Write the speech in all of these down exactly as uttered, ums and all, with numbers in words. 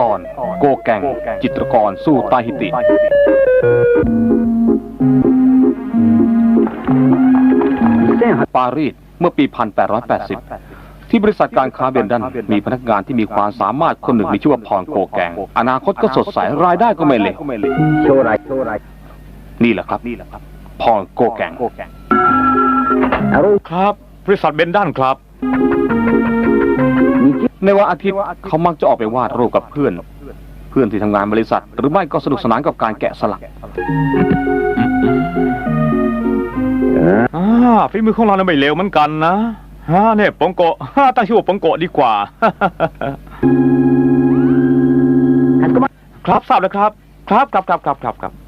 อนโกแกงจิตรกรสู้ตาฮิติปารีสเมื่อปี หนึ่งพันแปดร้อยแปดสิบ ที่บริษัทการค้าเบนดันมีพนักงานที่มีความสามารถคนหนึ่งมีชื่อว่าพรโกแกงอนาคตก็สดใสรายได้ก็ไม่เลวนี่แหละครับพรโกแกงครับบริษัทเบนดันครับในวันอาทิตย์เขามักจะออกไปวาดรูปกับเพื่อนเพื่อนที่ทำงานบริษัทหรือไม่ก็สนุกสนานกับการแกะสลักอ่าฝีมือของเราเนี่ยไม่เลวเหมือนกันนะฮะเนี่ยปงโกะตั้งชื่อว่าปงโกะดีกว่าครับทราบแล้วครับครับครับครับครับครับครับ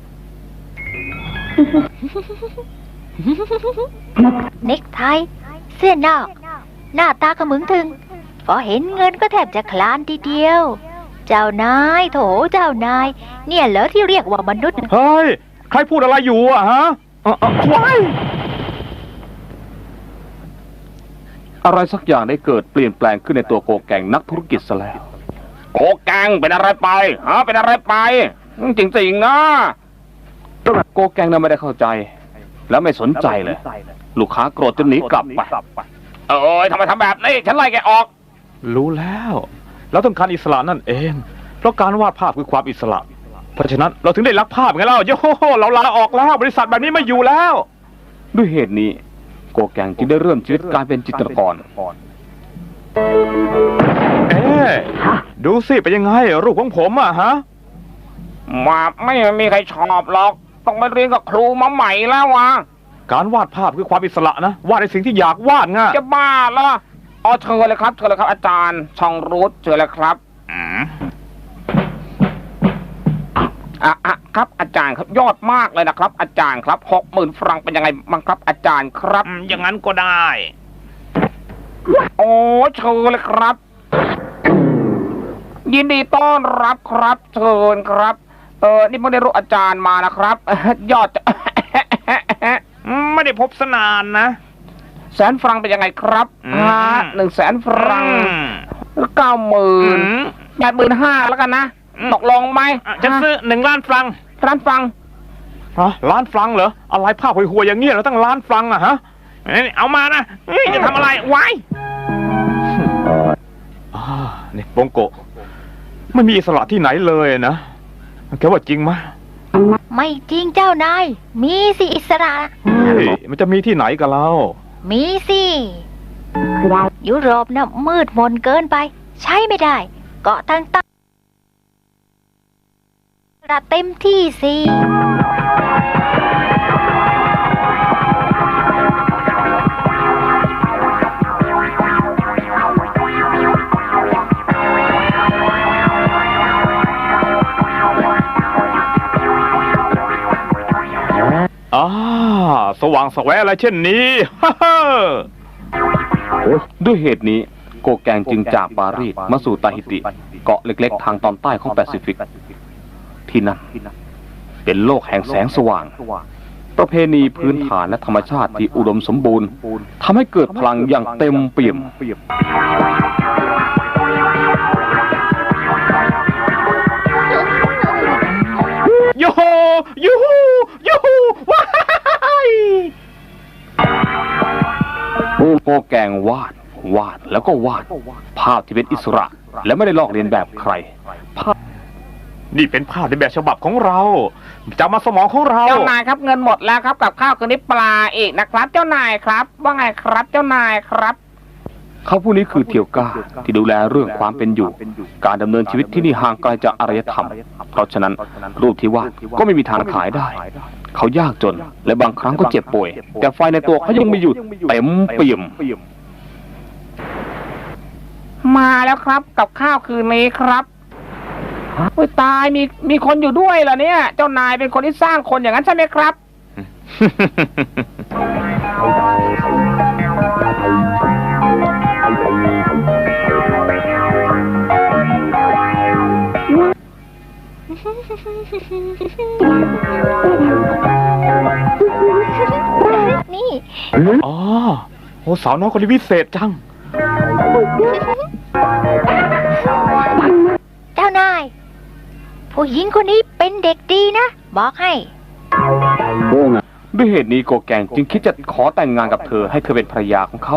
เน็กไทเสื้อนอกหน้าตาขมึงถึงพอเห็นเงินก็แทบจะคลานทีเดียวเจ้านายโถเจ้านายเนี่ยเหรอที่เรียกว่ามนุษย์เฮ้ยใครพูดอะไรอยู่อะฮะว้ายอะไรสักอย่างได้เกิดเปลี่ยนแปลงขึ้นในตัวโกแกงนักธุรกิจซะแล้วโกแกงเป็นอะไรไปฮะเป็นอะไรไปจริงๆนะโกแกงน่ะไม่ได้เข้าใจแล้วไม่สนใจเลยลูกค้าโกรธจนหนีกลับไปเอ้ยทำไมทำแบบนี้ฉันไล่แกออกรู้แล้วเราต้องการอิสระนั่นเองเพราะการวาดภาพคือความอิสระเพราะฉะนั้นเราถึงได้รักภาพไงเล่าโย่เราลาออกแล้วบริษัทแบบนี้ไม่อยู่แล้วด้วยเหตุนี้โกแกงจึงได้เริ่มชีวิตการเป็นจิตรกรเอ๊ะดูสิเป็นยังไงรูปของผมอะฮะมาไม่มีใครชอบหรอกต้องไปเรียนกับครูมาใหม่แล้ววะการวาดภาพคือความอิสระนะวาดในสิ่งที่อยากวาดไงจะบ้าละอ๋อเชิญเลยครับเชิญเลยครับอาจารย์ช่องรูทเชิญเลยครับอ่ะอ่ะครับอาจารย์ครับยอดมากเลยนะครับอาจารย์ครับหกหมื่นฟรังเป็นยังไงบ้างครับอาจารย์ครับอย่างนั้นก็ได้โอ้เชิญเลยครับยินดีต้อนรับครับเชิญครับเออนี่ไม่ได้รู้อาจารย์มานะครับยอดไม่ได้พบสนานนะแสนฟรังเป็นยังไงครับฮะหนึ่งแสนฟรังเก้าหมื่นแปดหมื่นห้าแล้วกันนะตกลงไหมจะซื้อหนึ่งล้านฟรังล้านฟรังฮะล้านฟรังเหรออะไรภาพห่วยๆอย่างเงี้ยเราตั้งล้านฟรังอะฮะเอามานะจะทำอะไรไว้นี่ปงโกะไม่มีอิสระที่ไหนเลยนะแกว่าจริงไหมไม่จริงเจ้านายมีสิอิสระเฮ้ยมันจะมีที่ไหนกันเล่ามีสิยุโรปน่ะมืดมนเกินไปใช้ไม่ได้เกาะต่างๆระเต็มที่สิอ่าสว่างแสวงอะไรเช่นนี้ด้วยเหตุนี้โกแกงจึงจากปารีสมาสู่ตาฮิติเกาะเล็กๆทางตอนใต้ของแปซิฟิกที่นั่นเป็นโลกแห่งแสงสว่างประเพณีพื้นฐานและธรรมชาติที่อุดมสมบูรณ์ทำให้เกิดพลังอย่างเต็มเปี่ยมยูฮูยูฮูยูฮูว้ายโกแกงวาดวาดแล้วก็วาดภาพที่เป็นอิสระและไม่ได้ลอกเลียนแบบใครภาพนี่เป็นภาพในแบบฉบับของเราจำมาสมองของเราเจ้านายครับเงินหมดแล้วครับกับข้าวคืนนี้ปลาอีกนะครับเจ้านายครับว่าไงครับเจ้านายครับเขาผู้นี้คือเทียวก้าที่ดูแลเรื่องความเป็นอยู่การดำเนินชีวิตที่นี่ห่างไกลจากอารยธรรมเพราะฉะนั้นรูปที่วาดก็ไม่มีทางขายได้เขายากจนและบางครั้งก็เจ็บป่วยแต่ไฟในตัวเขายังไม่หยุดเต็มเปี่ยมมาแล้วครับกับข้าวคืนนี้ครับโอ้ยตายมีมีคนอยู่ด้วยเหรอเนี่ยเจ้านายเป็นคนที่สร้างคนอย่างนั้นใช่ไหมครับนี่อ๋อโอ้สาวน้อยคนนี้วิเศษจังเจ้านายหญิงคนนี้เป็นเด็กดีนะ บอกให้ด้วยเหตุนี้โกแกงจึงคิดจะขอแต่งงานกับเธอให้เธอเป็นภรรยาของเขา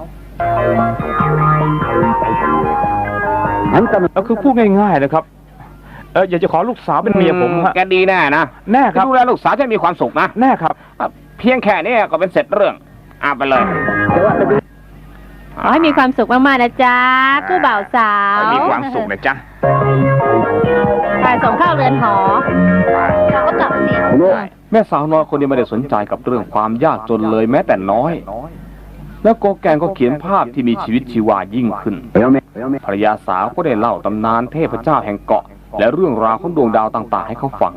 แล้วคือพูดง่ายๆนะครับเอออยากจะขอลูกสาวเป็นเมียผมฮะแกดีแน่นะแน่ครับดูแลลูกสาวจะมีความสุขนะแน่ครับเพียงแค่นี้ก็เป็นเสร็จเรื่องอ่ะไปเลยขอให้มีความสุขมากๆนะจ๊ะคู่บ่าวสาวมีความสุขนะจ๊ะไปส่งเข้าเรือนหอเราก็กลับสิแม่สาวน้อยคนนี้ไม่ได้สนใจกับเรื่องความยากจนเลยแม้แต่น้อย แล้วโกแกงก็เขียนภาพที่มีชีวิตชีวายิ่งขึ้นภรรยาสาวก็ได้เล่าตำนานเทพเจ้าแห่งเกาะ และเรื่องราวของดวงดาวต่างๆให้เขาฟัง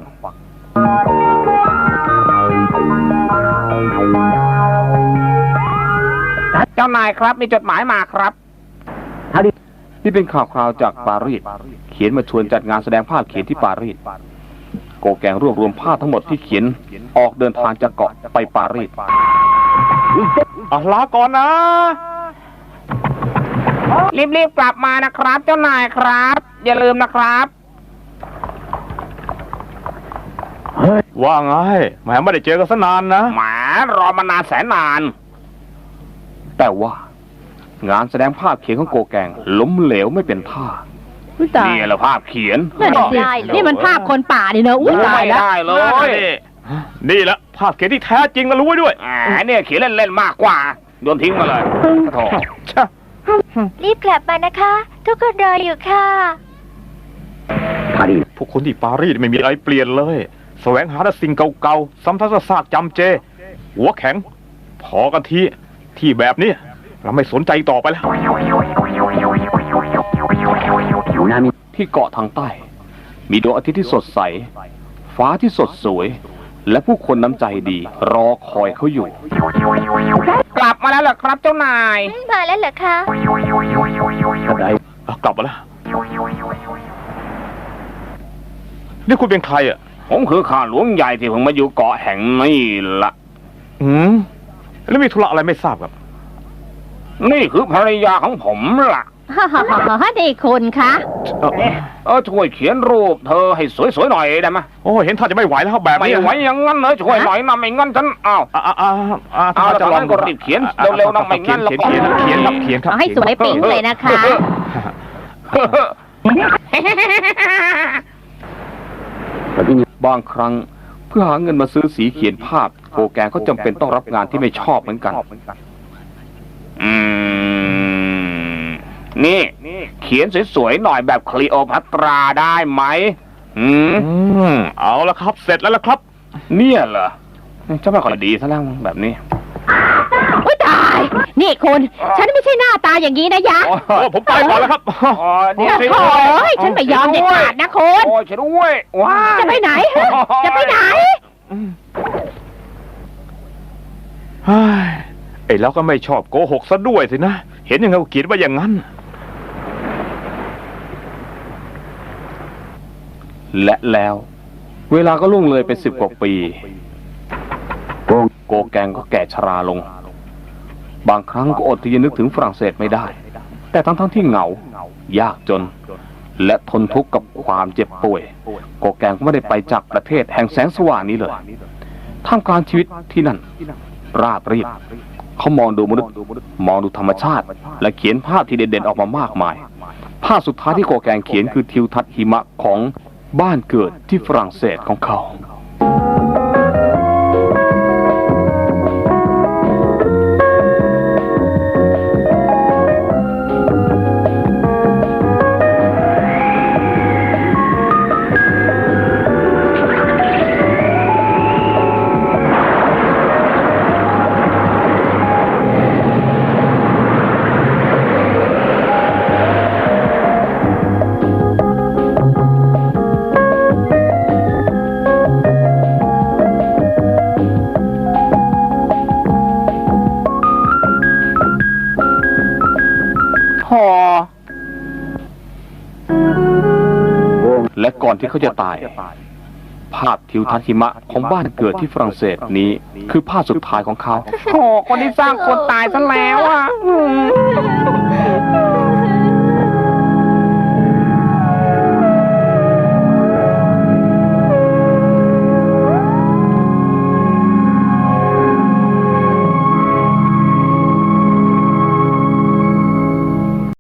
เจ้านายครับมีจดหมายมาครับนี่เป็นข่าวคราวจากปารีสเขียนมาชวนจัดงานแสดงภาพเขียนที่ปารีสโกแกงรวบรวมภาพทั้งหมดที่เขียนออกเดินทางจากเกาะไปปารีสอ่ะลาก่อนนะรีบๆกลับมานะครับเจ้านายครับ อย่าลืมนะครับว่าไงแหมไม่ได้เจอกันซะนานนะแหมรอมานานแสนนาน แต่ว่างานแสดงภาพเขียนของโกแกงล้มเหลวไม่เป็นท่าอุ้ยตายนี่แหละภาพเขียนนั่นน่ะสินี่มันภาพคนป่านี่เนอะอุ้ยตายไม่แล้วได้เลยนี่แหละภาพเขียนที่แท้จริงนะรู้ไว้ด้วยแหมเนี่ยเขียนเล่นๆมากกว่าโยนทิ้งมาเลยโถ่รีบกลับมานะคะ ทุกคนรออยู่ค่ะพวกคนที่ปารีสไม่มีอะไรเปลี่ยนเลยแสวงหาแต่สิ่งเก่าๆซ้ำๆซากๆจำเจ หัวแข็ง พอกันทีที่แบบนี้เราไม่สนใจต่อไปแล้วที่เกาะทางใต้ มีดวงอาทิตย์ที่สดใส ฟ้าที่สดสวย และผู้คนน้ำใจดี รอคอยเขาอยู่ กลับมาแล้วเหรอครับเจ้านายมาแล้วเหรอคะอ่ะกลับมาแล้ว นี่คุณเป็นใครอ่ะผมคือข้าหลวงใหญ่ที่เพิ่งมาอยู่เกาะแห่งนี้ละอืมแล้วมีธุระอะไรไม่ทราบครับนี่คือภรรยาของผมล่ะฮ่าฮ่าฮ่าฮ่านี่คุณคะเออเออช่วยเขียนรูปเธอให้สวยๆหน่อยได้ไหมโอ้เห็นท่าจะไม่ไหวแล้วครับแบบไม่นี้ไหวอย่างงั้นเลยช่วยหน่อยนะไม่งั้นฉันอ้าวอ่าอ่าอ่าอ่าเอาจากนั้นก็รีบเขียนเร็วๆนะไม่งั้นแล้วก็เขียนเขียนครับเขียนครับเอาให้สวยปิ๊งเลยนะคะบางครั้งเพื่อหาเงินมาซื้อสีเขียนภาพโกแกงก็จำเป็นต้องรับงานที่ไม่ชอบเหมือนกัน อืมนี่เขียนสวยๆหน่อยแบบคลีโอพัตราได้ไหมอืมอืมเอาละครับ เสร็จแล้วละครับเนี่ยเหรอจะไม่ค่อยดีซะแล้วแบบนี้อุ้ยตาย นี่คุณ ฉันไม่ใช่หน้าตาอย่างนี้นะยะโอ้ผมไปก่อนแล้วครับอ๋อนี่โอ้สิโหฉันไม่ยอมเด็ดขาดนะคุณโอ้ยช่วยด้วยว้าจะไปไหน จะไปไหนเฮ้ยไอ้เราก็ไม่ชอบโกหกซะด้วยสินะ เห็นยังไงก็เขียนว่าอย่างนั้นและแล้ว เวลาก็ล่วงเลยเป็นสิบกว่าปีโกแกงก็แก่ชราลง บางครั้งก็อดที่จะนึกถึงฝรั่งเศสไม่ได้ แต่ทั้งทั้งที่เหงา ยากจน และทนทุกข์กับความเจ็บป่วยโกแกงก็ไม่ได้ไปจากประเทศแห่งแสงสว่างนี้เลยท่ามกลางชีวิตที่นั่น ราบรีบเขามองดูมนุษย์มองดูธรรมชาติ และเขียนภาพที่เด่นๆออกมามากมาย ภาพสุดท้ายที่โกแกงเขียนคือทิวทัศน์หิมะของบ้านเกิดที่ฝรั่งเศสของเขา และก่อนที่เขาจะตาย ภาพทิวทัศน์หิมะของบ้านเกิดที่ฝรั่งเศสนี้คือภาพสุดท้ายของเขาโอ้คนที่สร้างคนตายซะแล้วอ่ะ